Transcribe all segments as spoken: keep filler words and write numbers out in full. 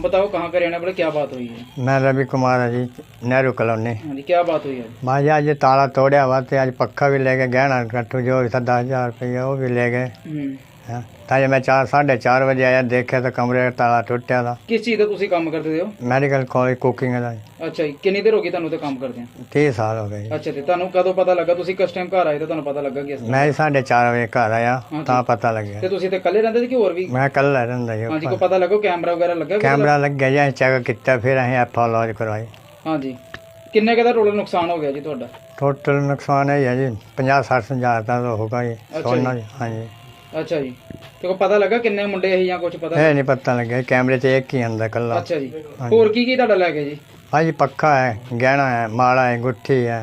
नाम बताओ, कहाँ का रहने वाले, क्या बात हुई है? मैं रवि कुमार है जी, नेहरू कॉलोनी। हाँ जी, क्या बात हुई है? माँ जी आज ताला तोड़िया हुआ तो आज पक्का भी ले गए, गहना कट्टू जो भी था दस हज़ार रुपये वो भी ले गए। हाँ ताजे मैं चार साढ़े चार बजे आया, देखे तो कमरे का ताला टुटिया था। किस चीज़ का तुसी काम करते हो? मैडिकल कॉलेज कुकिंग का। अच्छा जी, कितनी देर हो गई ਤੁਹਾਨੂੰ ਤੇ ਕੰਮ ਕਰਦੇ ਆ? तीस साल हो गए। ਅੱਛਾ ਤੇ ਤੁਹਾਨੂੰ ਕਦੋਂ ਪਤਾ ਲੱਗਾ? ਤੁਸੀਂ ਕਿਸ ਟਾਈਮ ਘਰ ਆਏ ਤਾਂ ਤੁਹਾਨੂੰ ਪਤਾ ਲੱਗਾ ਕਿ ਇਸ मैं साढ़े चार बजे घर आया हाँ तो जी। पता लग गया। ਤੇ ਤੁਸੀਂ ਤੇ ਇਕੱਲੇ ਰਹਿੰਦੇ ਸੀ ਕਿ ਹੋਰ ਵੀ? मैं कल रहा जी। हाँ जी, को पता लगा कैमरा वगैरह लगा? कैमरा लग गया जी, चेक किया फिर अं एफ ओ लॉज करवाई। हाँ जी, किन्ने का टोटल नुकसान हो गया जी ਤੁਹਾਡਾ? टोटल नुकसान है जी पचास सठ हज़ार का तो होगा जी सोना जी। हाँ जी। अच्छा जी, ਤੇ ਕੋ ਪਤਾ ਲੱਗਾ ਕਿੰਨੇ ਮੁੰਡੇ ਸੀ ਜਾਂ ਕੁਝ ਪਤਾ? है नहीं पता लग गया, कैमरे से एक ही अंदर कल्ला। ਅੱਛਾ ਜੀ, ਹੋਰ ਕੀ ਕੀ ਤੁਹਾਡਾ ਲੈ ਗਏ ਜੀ? हाँ जी पक्का है, गहना है, माला है, गुट्ठी है,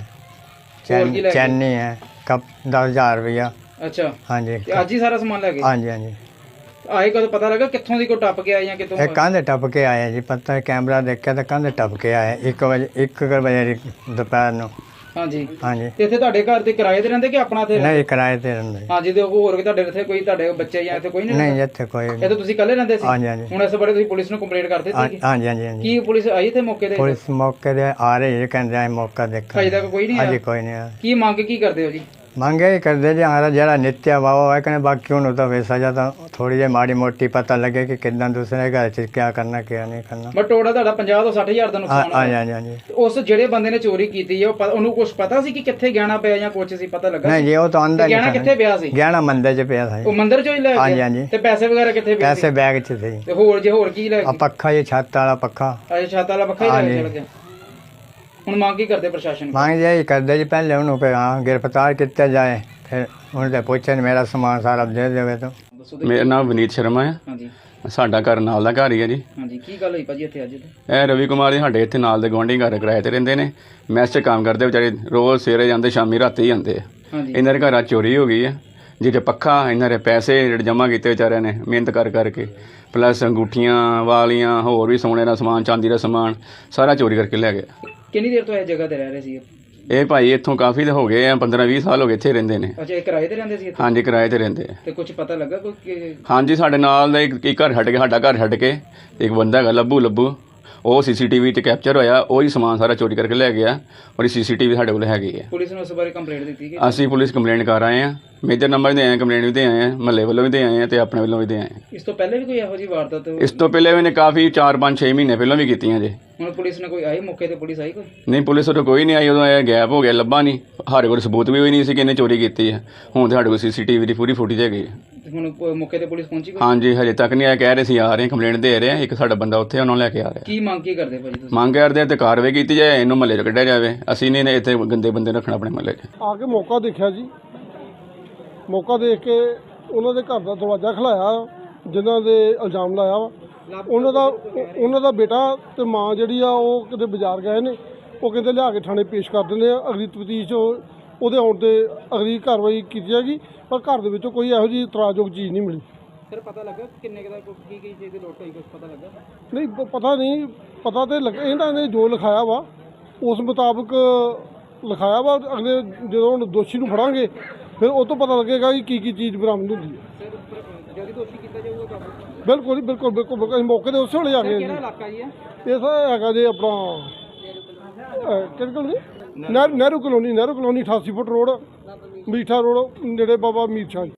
और की ले गए? चैनी है, कप दस हज़ार रुपया। ਅੱਛਾ हाँ जी। ਤੇ ਅੱਜ ਹੀ ਸਾਰਾ ਸਮਾਨ ਲੈ ਗਏ? हाँ जी हाँ जी। ਆਏ ਕਦੋਂ ਪਤਾ ਲੱਗਾ ਕਿੱਥੋਂ ਦੀ ਕੋ ਟੱਪ ਕੇ ਆਏ ਜਾਂ ਕਿਤੋਂ? एक कंधे टप के आए जी, पता है कैमरा देखा तो कंधे टप के आए एक बजे एक बजे दोपहर ਨੂੰ। हाँ जी। हाँ जी। ਤੇ ਇੱਥੇ ਤੁਹਾਡੇ ਘਰ ਤੇ ਕਿਰਾਏ ਤੇ ਰਹਿੰਦੇ ਕਿ ਆਪਣਾ ਇੱਥੇ? नहीं किराए ते रहंदे। हाँ जी, ਤੇ ਹੋਰ ਵੀ ਤੁਹਾਡੇ ਇੱਥੇ ਕੋਈ ਤੁਹਾਡੇ ਬੱਚੇ ਜਾਂ ਇੱਥੇ ਕੋਈ ਨਹੀਂ? नहीं ਇੱਥੇ ਕੋਈ ਇਹ ਤਾਂ ਤੁਸੀਂ ਇਕੱਲੇ ਰਹਿੰਦੇ ਸੀ? हाँ जी हाँ जी। ਹੁਣ ਇਸ ਬਾਰੇ ਤੁਸੀਂ ਪੁਲਿਸ ਨੂੰ ਕੰਪਲੇਂਟ ਕਰ ਦਿੱਤੀ ਸੀ? हाँ जी हाँ जी हाँ जी। ਕੀ ਪੁਲਿਸ ਆਈ ਤੇ ਮੌਕੇ ਤੇ? पुलिस मौके ते आ रही है, कहते हैं मौका देखा। ਅਜੇ ਤੱਕ ਕੋਈ ਨਹੀਂ अजे ਆਇਆ? कोई नहीं आया। ਕੀ ਮੰਗ ਕੀ ਕਰਦੇ ਹੋ ਜੀ? ਮੰਗੇ ਹੀ ਕਰਦੇ ਜੀ ਹਮਾਰਾ ਜਿਹੜਾ ਨਿੱਤਿਆ ਵਾਵਾ ਹੈ ਕਹਿੰਦੇ ਬਾਕੀ ਉਹਨੂੰ ਤਾਂ ਵੈਸਾ ਜਾਂ ਤਾਂ ਥੋੜੀ ਜਿਹੀ ਮਾੜੀ ਮੋਟੀ ਪਤਾ ਲੱਗੇ ਕਿ ਕਿੱਦਾਂ ਦੂਸਰੇ ਘਰ 'ਚ ਕੀ ਕਰਨਾ ਕੀ ਨਹੀਂ ਕਰਨਾ। ਬਟ ਟੋਟਲ ਤੁਹਾਡਾ ਪੰਜਾਹ ਤੋਂ ਸੱਠ ਹਜ਼ਾਰ ਦਾ ਹਾਂ ਨੁਕਸਾਨ ਹਾਂ ਹੋਇਆ। ਹਾਂ ਜੀ। ਤੇ ਉਸ ਜਿਹੜੇ ਬੰਦੇ ਨੇ ਚੋਰੀ ਕੀਤੀ ਹੈ ਉਹ ਪ- ਉਹਨੂੰ ਕੁਝ ਪਤਾ ਸੀ ਕਿ ਕਿੱਥੇ ਗਹਿਣਾ ਪਿਆ ਜਾਂ ਕੁਝ ਸੀ ਪਤਾ ਲੱਗਾ? ਨਹੀਂ ਜੀ ਉਹ ਤਾਂ ਆਂਦਾ ਤੇ ਗਹਿਣਾ ਕਿੱਥੇ ਪਿਆ ਸੀ? ਗਹਿਣਾ ਮੰਦੇ 'ਚ ਪਿਆ ਸੀ। ਉਹ ਮੰਦਿਰ ਚੋਂ ਹੀ ਲੈ ਹਾਂਜੀ, ਗਿਆ? ਹਾਂਜੀ। ਤੇ ਪੈਸੇ ਵਗੈਰਾ ਕਿੱਥੇ ਪਏ ਸੀ? ਪੈਸੇ ਬੈਗ 'ਚ ਸੀ। ਤੇ ਹੋਰ ਜੇ ਹੋਰ ਕੀ ਲੈ ਆ ਗਏ? ਪੱਖਾ ਜੀ ਛੱਤ ਵਾਲਾ ਪੱਖਾ। ਅਜੇ ਛਾਤਾ ਵਾਲਾ ਪੱਖਾ ਹੀ ਲੈ ਕੇ ਹਾਂਜੀ। ਚਲ ਗਿਆ। ਹੁਣ ਮੰਗ ਕੀ ਕਰਦੇ ਪ੍ਰਸ਼ਾਸਨ ਕੋਲ? ਮੰਗ ਜੀ ਕਰਦੇ ਜੀ ਪਹਿਲੇ ਉਹਨੂੰ ਕਿ ਹਾਂ ਗ੍ਰਿਫਤਾਰ ਕੀਤਾ ਜਾਏ, ਫਿਰ ਉਹਨੇ ਤਾਂ ਪੁੱਛਿਆ ਮੇਰਾ ਸਮਾਨ ਸਾਰਾ ਦੇ ਦੇਵੇ ਤਾਂ। ਦੱਸੋ ਤੇ- ਮੇਰਾ ਨਾਮ ਵਿਨੀਤ ਸ਼ਰਮਾ ਹੈ। ਹਾਂਜੀ ਸਾਡਾ ਘਰ ਨਾਲ ਦਾ ਘਰ ਹੀ ਹੈ ਜੀ। ਹਾਂਜੀ, ਕੀ ਗੱਲ ਹੋਈ ਭਾਜੀ ਇੱਥੇ ਅੱਜ? ਇਹ ਰਵੀ ਕੁਮਾਰ ਜੀ ਸਾਡੇ ਇੱਥੇ ਨਾਲ ਦੇ ਗੁਆਂਢੀ ਘਰ ਕਿਰਾਏ ਤੇ ਰਹਿੰਦੇ ਨੇ। ਮੈਸ 'ਚ ਕੰਮ ਕਰਦੇ ਵਿਚਾਰੇ, ਰੋਜ਼ ਸਵੇਰੇ ਜਾਂਦੇ ਸ਼ਾਮੀ ਰਾਤੀ ਹੀ ਆਉਂਦੇ ਆ। ਹਾਂਜੀ ਇਹਨਾਂ ਦੇ ਘਰਾਂ 'ਚ ਚੋਰੀ ਹੋ ਗਈ ਹੈ, ਜਿਹਦੇ ਪੱਖਾ ਇਹਨਾਂ ਦੇ ਪੈਸੇ ਜਿਹੜੇ ਜਮ੍ਹਾਂ ਕੀਤੇ ਵਿਚਾਰਿਆਂ ਨੇ ਮਿਹਨਤ ਕਰ ਕਰਕੇ, ਪਲੱਸ ਅੰਗੂਠੀਆਂ ਵਾਲੀਆਂ ਹੋਰ ਵੀ ਸੋਨੇ ਦਾ ਸਮਾਨ, ਚਾਂਦੀ ਦਾ ਸਮਾਨ ਸਾਰਾ ਚੋਰੀ ਕਰਕੇ ਲੈ ਗਏ। ਕਿੰਨੀ ਦੇਰ ਤੋਂ ਇਹ ਜਗ੍ਹਾ ਤੇ ਰਹਿ ਰਹੇ ਸੀ? ਇਹ ਭਾਈ ਇੱਥੋਂ ਕਾਫੀ ਹੋ ਗਏ ਆ, ਪੰਦਰਾਂ ਵੀਹ ਸਾਲ ਹੋ ਗਏ ਇੱਥੇ ਰਹਿੰਦੇ ਨੇ। ਅੱਛਾ, ਇਹ ਕਿਰਾਏ ਤੇ ਰਹਿੰਦੇ ਸੀ ਇੱਥੇ? ਹਾਂਜੀ ਕਿਰਾਏ ਤੇ ਰਹਿੰਦੇ ਆ। ਤੇ ਕੁਝ ਪਤਾ ਲੱਗਾ ਕੋਈ ਕਿ- ਹਾਂਜੀ ਸਾਡੇ ਨਾਲ ਦਾ ਇੱਕ ਇੱਕ ਘਰ ਛੱਡ ਕੇ, ਸਾਡਾ ਘਰ ਛੱਡ ਕੇ ਇੱਕ ਬੰਦਾ ਹੈਗਾ ਲੱਭੂ ਲੱਭੂ, ਉਹ ਸੀਸੀਟੀਵੀ 'ਤੇ ਕੈਪਚਰ ਹੋਇਆ, ਉਹ ਹੀ ਸਮਾਨ ਸਾਰਾ ਚੋਰੀ ਕਰਕੇ ਲੈ ਗਿਆ। ਔਰ ਸੀਸੀਟੀਵੀ ਸਾਡੇ ਕੋਲ ਹੈਗੀ ਹੈ। ਪੁਲਿਸ ਨੂੰ ਉਸ ਬਾਰੇ ਕੰਪਲੇਂਟ ਦਿੱਤੀ ਕਿ? ਅਸੀਂ ਪੁਲਿਸ ਕੰਪਲੇਂਟ ਕਰ ਆਏ ਹਾਂ, ਮੇਜਰ ਨੰਬਰ ਦੇ ਆਏ ਹਾਂ, ਕੰਪਲੇਂਟ ਵੀ ਦੇ ਆਏ ਹਾਂ, ਮਹੱਲੇ ਵੱਲੋਂ ਵੀ ਦੇ ਆਏ ਹਾਂ ਤੇ ਆਪਣੇ ਵੱਲੋਂ ਵੀ ਦੇ ਆਏ ਹਾਂ। ਇਸ ਤੋਂ ਪਹਿਲੇ ਵੀ ਕੋਈ ਇਹੋ ਜਿਹੀ ਵਾਰਦਾਤ? ਇਸ ਤੋਂ ਪਹਿਲੇ ਵੀ ਨੇ ਕਾਫੀ ਚਾਰ ਪੰਜ ਛੇ ਮਹੀਨੇ ਪਹਿਲਾਂ ਵੀ ਕੀਤੀਆਂ ਜੇ। ਹੁਣ ਪੁਲਿਸ ਨੇ ਕੋਈ ਆਈ ਮੌਕੇ ਤੇ? ਪੁਲਿਸ ਆਈ ਕੋਈ? ਨਹੀਂ ਪੁਲਿਸ ਉਦੋਂ ਕੋਈ ਨਹੀਂ ਆਈ, ਉਦੋਂ ਇਹ ਗੈਪ ਹੋ ਗਿਆ, ਲੱਭਾ ਨਹੀਂ। ਸਾਡੇ ਕੋਲ ਸਬੂਤ ਵੀ ਹੋਈ ਨਹੀਂ ਸੀ ਕਿ ਇਹਨੇ ਚੋਰੀ ਕੀਤੀ ਹੈ। ਹੁਣ ਸਾਡੇ ਕੋਲ ਸੀਸੀਟੀਵੀ ਦੀ ਪੂਰੀ ਫੁਟੇਜ ਹੈਗੀ ਹੈ। ਤੇ ਹੁਣ ਪ- ਮੌਕੇ ਤੇ ਪੁਲਿਸ ਪਹੁੰਚੀ ਕੋਈ? ਹਾਂਜੀ ਹਜੇ ਤੱਕ ਨਹੀਂ ਆਇਆ, ਕਹਿ ਰਹੇ ਸੀ ਆ ਰਹੇ, ਕੰਪਲੇਂਟ ਦੇ ਰਹੇ ਹਾਂ। ਇੱਕ ਸਾਡਾ ਬੰਦਾ ਉੱਥੇ ਉਹਨਾਂ ਨੂੰ ਲੈ ਕੇ ਆ ਰਿਹਾ। ਕੀ ਮੰਗ ਕੀ ਕਰਦੇ ਭਾਜੀ ਤੁਸੀਂ? ਮੰਗ ਕਰਦੇ ਤੇ ਕਾਰਵਾਈ ਕੀਤੀ ਜਾਏ, ਇਹਨੂੰ ਮਹੱਲੇ 'ਚ ਕੱਢਿਆ ਜਾਵੇ। ਅਸੀਂ ਨਹੀਂ ਇੱਥੇ ਗੰਦੇ ਬੰਦੇ ਰੱਖਣਾ ਆਪਣੇ ਮਹੱਲੇ 'ਚ। ਆ ਕੇ ਮੌਕਾ ਦੇਖਿਆ ਜੀ, ਮੌਕਾ ਦੇਖ ਕੇ ਉਹਨਾਂ ਦੇ ਘਰ ਦਾ ਦਰਵਾਜ਼ਾ ਖਲਾਇਆ, ਜਿਨ੍ਹਾਂ ਦੇ ਇਲਜ਼ਾਮ ਲਾਇਆ ਵਾ ਉਹਨਾਂ ਦਾ ਉਹਨਾਂ ਦਾ ਬੇਟਾ ਤੇ ਮਾਂ ਜਿਹੜੀ ਆ ਉਹ ਕਿਤੇ ਬਾਜ਼ਾਰ ਗਏ ਨੇ। ਉਹ ਕਹਿੰਦੇ ਲਿਆ ਕੇ ਥਾਣੇ ਪੇਸ਼ ਕਰ ਦਿੰਦੇ ਆ, ਅਗਲੀ ਤਫਤੀਸ਼ ਉਹਦੇ ਆਉਣ 'ਤੇ ਅਗਲੀ ਕਾਰਵਾਈ ਕੀਤੀ ਜਾਏਗੀ। ਪਰ ਘਰ ਦੇ ਵਿੱਚੋਂ ਕੋਈ ਇਹੋ ਜਿਹੀ ਇਤਰਾਜ਼ਯੋਗ ਚੀਜ਼ ਨਹੀਂ ਮਿਲੀ। ਸਰ ਪਤਾ ਲੱਗਾ ਕਿੰਨੇ ਕੁ ਦਾ ਕੀ ਕੀ ਚੀਜ਼ ਦੀ ਲੋਟ ਹੋਈ? ਕੁਝ ਪਤਾ ਲੱਗਾ? ਨਹੀਂ ਪ- ਪਤਾ ਨਹੀਂ, ਪਤਾ ਤੇ ਲੱਗ ਇਹਨਾਂ ਨੇ ਜੋ ਲਿਖਾਇਆ ਵਾ ਉਸ ਮੁਤਾਬਕ ਲਿਖਾਇਆ ਵਾ। ਅਗਲੇ ਜਦੋਂ ਹੁਣ ਦੋਸ਼ੀ ਨੂੰ ਫੜਾਂਗੇ ਫਿਰ ਉਹ ਤੋਂ ਪਤਾ ਲੱਗੇਗਾ ਕਿ ਕੀ ਕੀ ਚੀਜ਼ ਬਰਾਮਦ ਹੁੰਦੀ ਹੈ। ਸਰ ਜਦੋਂ ਦੋਸ਼ੀ ਕੀਤਾ ਜਾਊਗਾ ਕਾਬੂ? ਬਿਲਕੁਲ ਜੀ ਬਿਲਕੁਲ ਬਿਲਕੁਲ ਬਿਲਕੁਲ। ਅਸੀਂ ਮੌਕੇ ਤੇ ਉਸੇ ਵੇਲੇ ਆ ਗਏ ਕਿਹੜਾ ਜੀ। ਇਲਾਕਾ ਜੀ ਹੈ? ਇਹ ਸਰ ਹੈਗਾ ਜੀ ਆਪਣਾ ਅਹ, ਕਿਹੜੀ colony? Nehru Nehru colony Nehru colony ਅਠਾਸੀ ਫੁੱਟ ਰੋਡ, ਮੀਠਾ ਰੋਡ, ਨੇੜੇ ਬਾਬਾ ਮੀਰ ਸ਼ਾਹ ਜੀ।